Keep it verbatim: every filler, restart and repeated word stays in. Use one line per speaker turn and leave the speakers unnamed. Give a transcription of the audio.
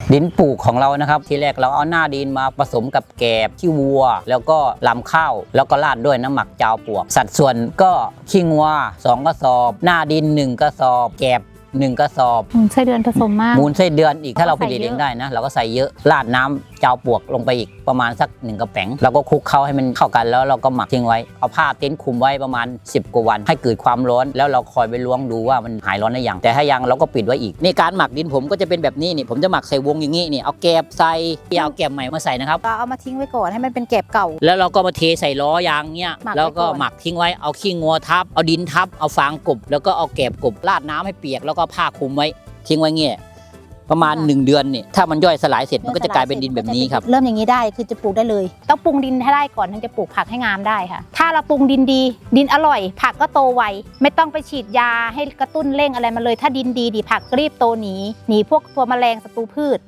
ดินปลูกของเรานะครับทีแรกเราเอาหน้าดินมาผสมกับแกบขี้วัวแล้วก็ลำข้าวแล้วก็ราดด้วยน้ำหมักจาวปลวกสัดส่วนก็ขี้งัวสองกระสอบหน้าดินหนึ่งกระสอบแกบหนึ่งกระสอบ
มูลไส้เดือนผสมมาก
มูลไส้เดือนอีกถ้าเราผลิต
ใส่เย
เอ
อะ
งได้นะเราก็ใส่เยอะราดน้ำจาวปลวกลงไปอีกประมาณสักหนึ่งกระแป๋งเราก็คลุกเข้าให้มันเข้ากันแล้วเราก็หมักทิ้งไว้เอาผ้าเต็นท์คลุมไว้ประมาณสิบกว่าวันให้เกิดความร้อนแล้วเราคอยไปล้วงดูว่ามันหายร้อนหรือยังแต่ถ้ายังเราก็ปิดไว้อีกนี่การหมักดินผมก็จะเป็นแบบนี้นี่ผมจะหมักใส่วงอย่างนี้นี่เอาแกบใส่อย่าเอาแกบใหม่มาใส่นะครับ
ก็เอามาทิ้งไว้ก่อนให้มันเป็นแกบเก่า
แล้วเราก็มาเทใส่ล้อยางเนี้ย
หมักไว้
แล้วก็
ก่อน
หมักทิ้งไว้เอาขี้งัวทับเอาดินทับเอาฟางกบแล้วก็เอาแกบกบราดน้ำให้เปียกแล้วก็ผ้าคลุมไว้ทิ้งไว้เงี้ยประมาณหนึ่งเดือนเนี่ยถ้ามันย่อยสลายเสร็จมันก็จะกลายเป็นดินแบบนี้ครับ
เริ่มอย่างนี้ได้คือจะปลูกได้เลยต้องปรุงดินให้ได้ก่อนถึงจะปลูกผักให้งามได้ค่ะถ้าเราปรุงดินดีดินอร่อย ผักก็โตไวไม่ต้องไปฉีดยาให้กระตุ้นเร่งอะไรมาเลย ถ้าดินดีดีผักรีบโตหนีหนีพวกตัวแมลงศัตรูพืช